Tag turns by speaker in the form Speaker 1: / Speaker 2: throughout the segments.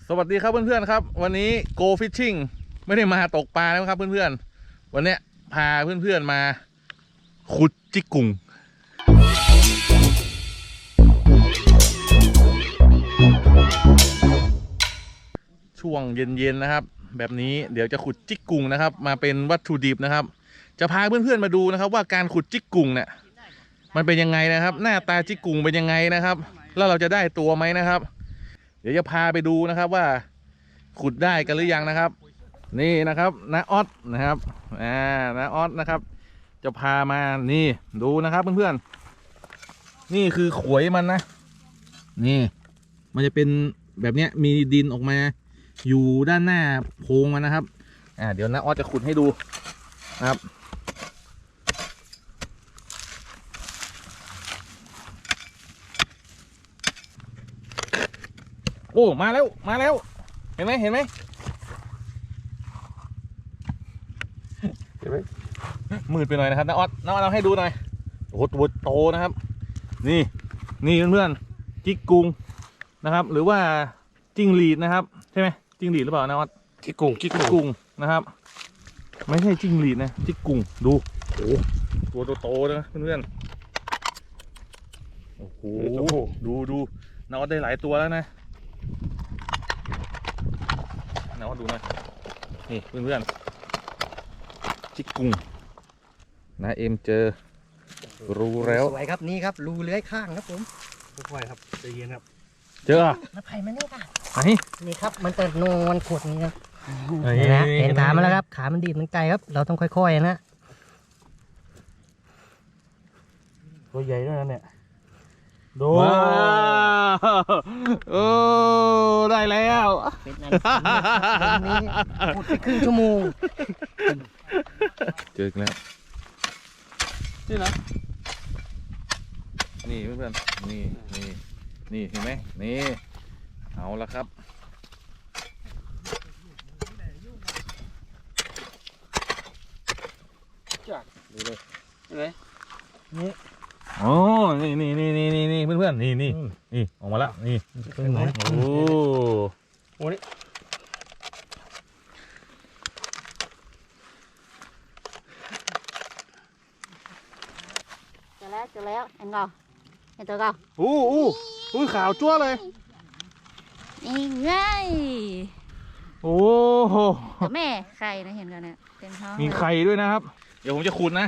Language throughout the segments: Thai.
Speaker 1: สวัสดีครับเพื่อนๆครับวันนี้ Go Fishing ไม่ได้มาตกปลาแล้วครับเพื่อนๆวันนี้พาเพื่อนๆมาขุดจิกกุ่งช่วงเย็นๆนะครับแบบนี้เดี๋ยวจะขุดจิกกุ่งนะครับมาเป็นวัตถุดิบนะครับจะพาเพื่อนๆมาดูนะครับว่าการขุดจิกกุ่งเนี่ยมันเป็นยังไงนะครับหน้าตาจิกกุ่งเป็นยังไงนะครับแล้วเราจะได้ตัวไหมนะครับเดี๋ยวจะพาไปดูนะครับว่าขุดได้กันหรือยังนะครับนี่นะครับน้าออสนะครับน้าออสนะครับจะพามานี่ดูนะครับเพื่อนๆนี่คือขวยมันนะนี่มันจะเป็นแบบเนี้ยมีดินออกมาอยู่ด้านหน้าโพรงมันนะครับเดี๋ยวน้าออสจะขุดให้ดูนะครับโอ้มาแล้วเห็นไหมเห็นไหมมืดไปหน่อยนะครับน้าออสเราให้ดูหน่อยโอ้โหตัวโตนะครับนี่เพื่อนๆจิกกุงนะครับหรือว่าจิ้งหรีดนะครับใช่ไหมจิ้งหรีดหรือเปล่าน้าออสจิกกุงนะครับไม่ใช่จิ้งหรีดนะจิกกุงดูโอ้ตัวโตๆนะเพื่อนๆโอ้โหดูน้าออสได้หลายตัวแล้วนะน้าออสดูหน่อยนี่เพื่อนๆจิกกุงนะเอ็มเจอรูแล้ว
Speaker 2: สวยครับนี่ครับรูเลื้อยข้างครับผม
Speaker 3: ค่อยๆครับใจเย็นครับ
Speaker 1: เจอ
Speaker 2: มาไผ่มาเนี่ยค่ะ
Speaker 1: นี่
Speaker 2: ครับมันจะโนมันขดนี่ครับเห็นขามันแล้วครับขามันดีดมันไกลครับเราต้องค่อยๆนะ
Speaker 3: ตัวใหญ่ด้วยนะเนี่ยดู
Speaker 1: โอ้ได้แล้ว
Speaker 2: เป็นอันนี้ขุดไปครึ่งชั่วโมง
Speaker 1: เจอแล้วนี่นะนี่เพื่อนๆนี่เห็นไหมนี่เอาละครับดูเลยเห็นไหมนี่โอ้นี่เพื่อนๆนี่ออกมาแล้วนี่โอ้นี่
Speaker 4: เจอแล้วเห็นก่อนเห็นตัวก่อน
Speaker 1: อู้ขาวจั่วเลย
Speaker 4: นี่ไง
Speaker 1: โอ้โห
Speaker 4: แม่ไข่นะเห็นกันเนี่ยเต็มท้อง
Speaker 1: มีไข่ด้วยนะครับเดี๋ยวผมจะขุดนะ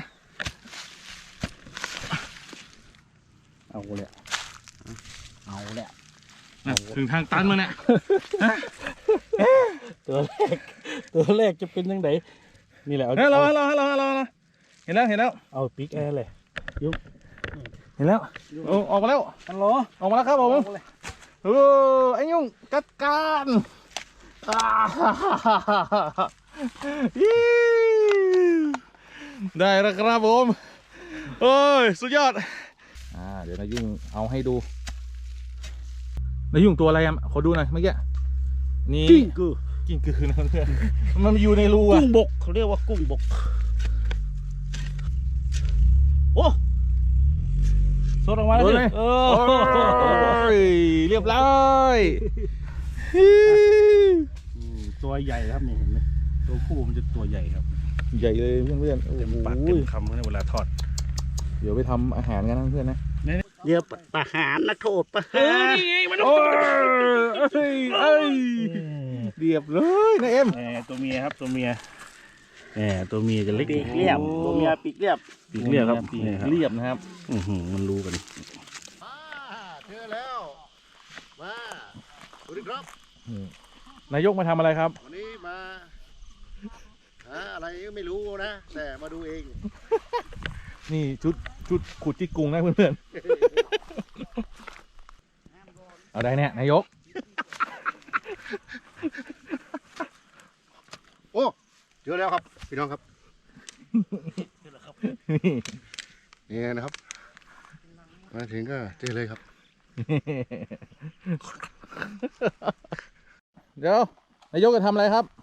Speaker 3: เอาเลย
Speaker 1: ถึงทางตันมาเนี่ย
Speaker 3: ตัวแรกจะเป็นยังไงนี่แหละ
Speaker 1: เราเห็นแล้ว
Speaker 3: เอาปิ๊กแอร์เลยยุบ
Speaker 1: เห็นแล้วออกมาแล้ว
Speaker 3: ฮัลโหล
Speaker 1: ออกมาแล้วครับผมไอ้ยุ่งจัดการได้แล้วครับผมโอ้ยสุดยอดเดี๋ยวนายุ่งเอาให้ดูนายุ่งตัวอะไรอ่ะขอดูหน่อยเมื่อกี้นี่กิ้งกือนะเพื่อนมันอยู่ในรู
Speaker 3: กุ้งบกเขาเรียกว่ากุ้งบกโอ้สดออกมาเลย
Speaker 1: เรียบร้อย
Speaker 3: ตัวใหญ่ครับนี่เห็นไหมตัวผู้มันจะตัวใหญ่ครับ
Speaker 1: ใหญ่เลยเพื่อนๆ
Speaker 3: เต็มปากเต็มคำเวลาทอด
Speaker 1: เดี๋ยวไปทำอาหารกันนะเพื่อนนะ
Speaker 3: เดี๋ยวประหารนักโทษประหาร
Speaker 1: นี่ไงมันเรียบเลยนะเอ็ม
Speaker 3: ตัวเมียครับตัวเมียตัวเมียจะเล็กปีกเรียบตัวเมียปีกเรียบครับ
Speaker 1: ปีกเรียบนะครับ
Speaker 3: มันรู้กัน
Speaker 2: เจอแล้วมาสวัสดีครับ
Speaker 1: นายกมาทำอะไรครับ
Speaker 2: วันนี้มาอะไรไม่รู้นะแต่มาดูเอง
Speaker 1: นี่ชุดขุดจิกกุงนะเพื่อนๆเอาได้เนี่ยนายก
Speaker 2: โอ้เจอแล้วครับพี่น้องครับนี่นะครับมาถึงก็เจอเลยครับ
Speaker 1: เดี๋ยวนายกจะทำอะไรครับ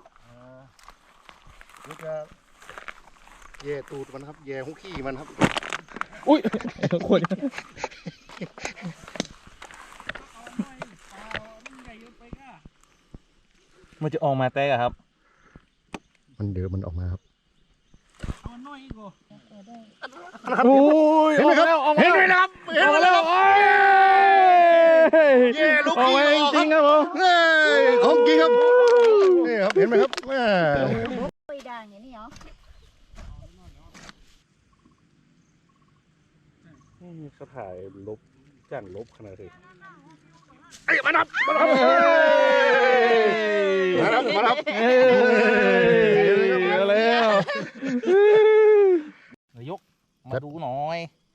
Speaker 2: จะแย่ตูดมันครับแย่หุขี้มันครับ
Speaker 1: อุ้ยคน
Speaker 3: เ
Speaker 1: มันจะออกมาแตกอะครับ
Speaker 5: มันเดือดมันออกมาครับ
Speaker 1: โอ้ยเห็นไหมครับเห็นไหมครับเห็นไหมครับเย้ลูกกี้จริงครับผม
Speaker 5: ของจริงครับนี่ครับเห็นไหมครับ
Speaker 4: คุยดังอย่างนี้เหรอ
Speaker 3: เขาถ่ายลบจ้างลบขนาดนี้
Speaker 5: มาครับมาครับ
Speaker 1: เอาแล้วนายกมาดูหน่อย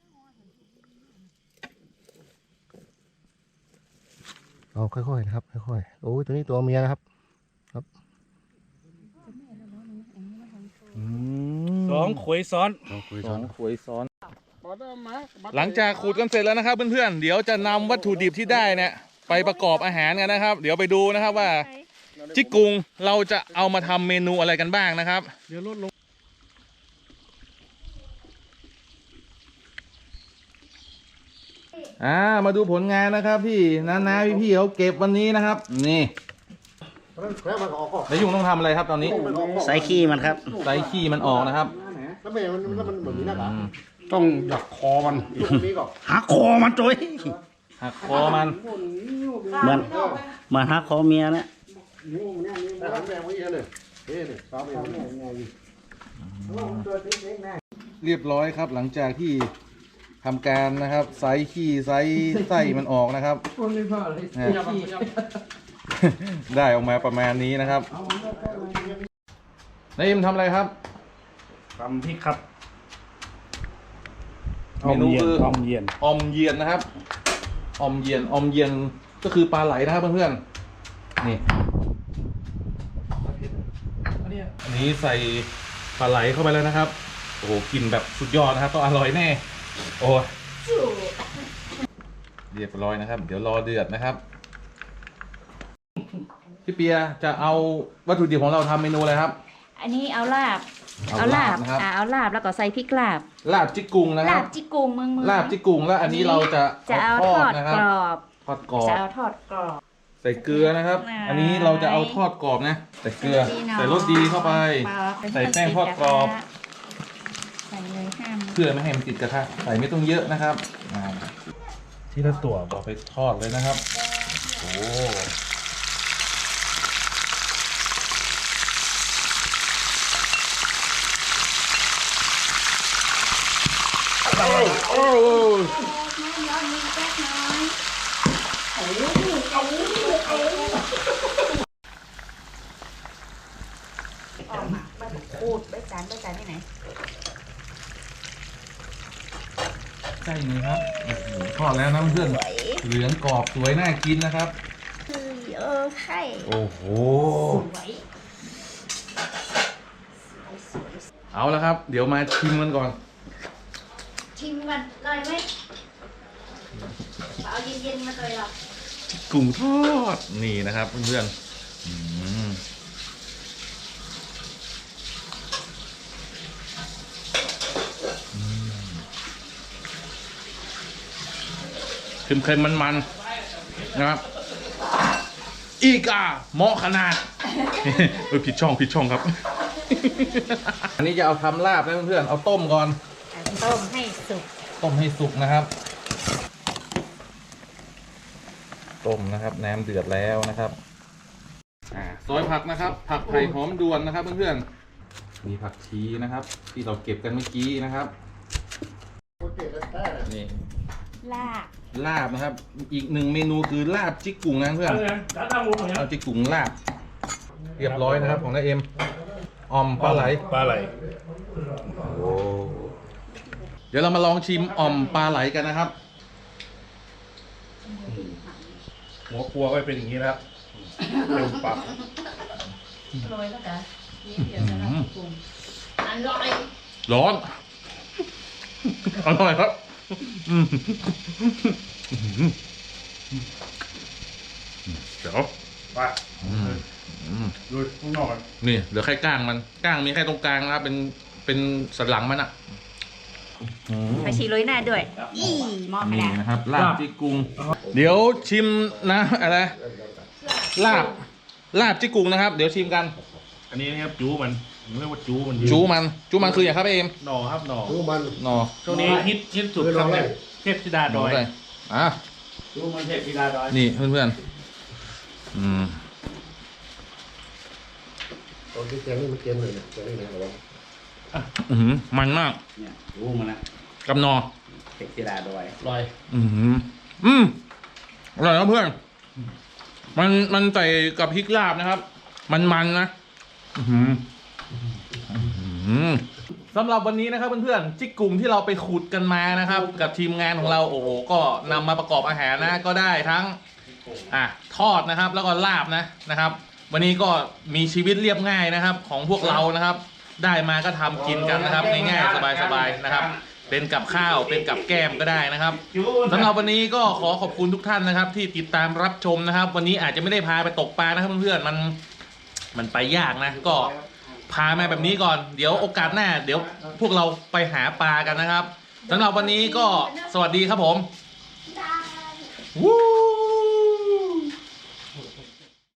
Speaker 5: เอาค่อยๆนะครับค่อยๆโอ้ยตัวนี้ตัวเมียนะครับ
Speaker 3: สองขวยซ้อน
Speaker 1: สองขวยซ้อน หลังจากขูดกันเสร็จแล้วนะครับเพื่อนๆเดี๋ยวจะนำวัตถุดิบที่ได้เนี่ยไปประกอบอาหารกันนะครับ เดี๋ยวไปดูนะครับว่าจิกกุงเราจะเอามาทำเมนูอะไรกันบ้างนะครับเดี๋ยวลดลงมาดูผลงานนะครับพี่น้าพี่เขาเก็บวันนี้นะครับนี่แล้วยุงต้องทำอะไรครับตอนนี้
Speaker 2: ใส่ขี้มันครับ
Speaker 1: ไล่ขี้มันออกนะครับ
Speaker 5: แล้วมันเหมือนนี้นะครับ
Speaker 3: ต้องดักคอมัน
Speaker 2: หักคอมันจ้อย
Speaker 1: หักคอมัน
Speaker 2: มันหักคอเมียนะ
Speaker 1: เรียบร้อยครับหลังจากที่ทำการนะครับไซขี้ไซไส้มันออกนะครับได้ออกมาประมาณนี้นะครับนายอิมทำอะไรครับ
Speaker 3: ทำพริกครับ
Speaker 1: เมนูคือ
Speaker 3: อมเย็น
Speaker 1: อมเยียนนะครับอมเยียนก็คือปลาไหลนะครับเพื่อนๆนี่อันนี้ใส่ปลาไหลเข้าไปแล้วนะครับโอ้โหกลิ่นแบบสุดยอดนะครับต้องอร่อยแน่โอ้ยเรียบร้อยนะครับ เดี๋ยวรอเดือดนะครับพี่เปียจะเอาวัตถุดิบของเราทำเมนูอะไรครับ
Speaker 4: อันนี้เอาลาบ
Speaker 1: เอาลาบนะครับ
Speaker 4: เอาลาบแล้วก็ใส่พริกลาบ
Speaker 1: ลาบจิกกุงนะค
Speaker 4: ลา
Speaker 1: รับบ
Speaker 4: จิกุงเมือง
Speaker 1: ลาบจิกกุงแล้วอันนี้เราจะ
Speaker 4: เอาทอด
Speaker 1: นะครั
Speaker 4: ก
Speaker 1: บ
Speaker 4: รอบ
Speaker 1: ทอดกรอบ
Speaker 4: จะเอาทอดกรอบ
Speaker 1: ใส่เกลือนะครับ อันนี้เราจะเอาทอดกรอบนะใส่เกลือใส่รสดีเข้าไป ใส่แป้งทอดกรอบ
Speaker 4: ใส่เลยห้าม
Speaker 1: เพื่อไม่ให้มันติดกระทะใส่ไม่ต้องเยอะนะครับ
Speaker 3: ที่ละตัว
Speaker 1: ต่อไปทอดเลยนะครับโอ้โอ้
Speaker 4: ย้อนมีแป๊กน้อยออกมาบ้านขูดใบจานที่ไหน
Speaker 1: ใช่เลยครับโอ้โหทอดแล้วนะเพื่อนเหลืองกรอบสวยน่ากินนะครับ
Speaker 4: ใช่
Speaker 1: โอ้โห
Speaker 4: สวย
Speaker 1: เอาละครับ เดี๋ยวมาชิมกันก่อน
Speaker 4: ชิมกันเลยไหมเอาเย็นๆมาเลยหรอ
Speaker 1: กุ้งทอดนี่นะครับเพื่อนๆเค็มๆมันๆนะครับอีกเหมาะขนาด ผิดช่องครับ อันนี้จะเอาทำลาบนะเพื่อนๆเอาต้มก่อน
Speaker 4: ต้มให้สุก
Speaker 1: ต้มให้สุกนะครับต้มนะครับน้ำเดือดแล้วนะครับซอยผักนะครับผักไผ่หอมด่วนนะครับเพื่อนๆมีผักชีนะครับ ที่เราเก็บกันเมื่อกี้นะครับนี่
Speaker 4: ลาบ
Speaker 1: ลาบนะครับ อีกหนึ่งเมนูคือลาบจิกกุ่งนะเพื่อนเอาจิกกุ่งลาบเรียบร้อยนะครับของน้าเอ็มออมปลาไหล
Speaker 3: ปลาไหล
Speaker 1: โอ้เดี๋ยวเรามาลองชิมอ่อมปลาไหลกันนะครับ
Speaker 3: หัวครัวก็เป็นอย่างนี้แล้วเต็มปาก
Speaker 4: โรยแล้วกันนี่เดี๋ยวจะลองปรุงอร่อย
Speaker 1: ร้อน อร่อยครับเดี๋ยว
Speaker 3: ไปดูข้างนอกกัน
Speaker 1: นี่เหลือแค่ก้างมันก้างมีแค่ตรงกลางนะครับเป็นสันหลังมันอ่ะ
Speaker 4: ไปชีโรยหน้าด้วยอีมองไป
Speaker 1: นี่
Speaker 4: แล้ว
Speaker 1: นะครับลาบจิกกุงเดี๋ยวชิมนะอะไรลาบลาบจิกกุ่งนะครับ เดี๋ยวชิมกัน
Speaker 3: อันนี้นะครับจูมันเรียกว่าจูมัน
Speaker 1: จูมันคืออย่างครับเอม
Speaker 3: หน่อครับหน่อ
Speaker 5: ดูมัน
Speaker 1: หนอ
Speaker 3: ช่วงนี้ฮิตสุดครับเนี่ยเทพธิดาดอย
Speaker 1: ใส่อ่ะ
Speaker 3: จูมันเทพธิดาดอย
Speaker 1: นี่เพื่อนๆ
Speaker 5: ตอนที่แกงนี่มันเกมเลยเนี่ยแกงนี่นะระวัง
Speaker 1: มันมาก
Speaker 3: เนี่ยจูมันนะ
Speaker 1: กับหนอ
Speaker 3: เทพธิดาดอย
Speaker 2: ลอย
Speaker 1: อร่อยครับเพื่อน มันใส่กับพริกลาบนะครับ มันนะสำหรับวันนี้นะครับเพื่อนๆจิกกุ่งที่เราไปขุดกันมานะครับ กับทีมงานของเราโอ้โหก็นำมาประกอบอาหารนะก็ได้ทั้งทอดนะครับ แล้วก็ลาบนะครับ วันนี้ก็มีชีวิตเรียบง่ายนะครับ ของพวกเรานะครับ ได้มาก็ทำกินกันนะครับง่ายๆสบายๆนะครับ เป็นกับข้าวเป็นกับแก้มก็ได้นะครับสำหรับวันนี้ก็ขอขอบคุณทุกท่านนะครับ ที่ติดตามรับชมนะครับ วันนี้อาจจะไม่ได้พาไปตกปลานะครับเพื่อนๆมันไปยากนะก็พามาแบบนี้ก่อนเดี๋ยวโอกาสหน้าเดี๋ยวพวกเราไปหาปลากันนะครับสำหรับวันนี้ก็สวัสดีครับผมวู้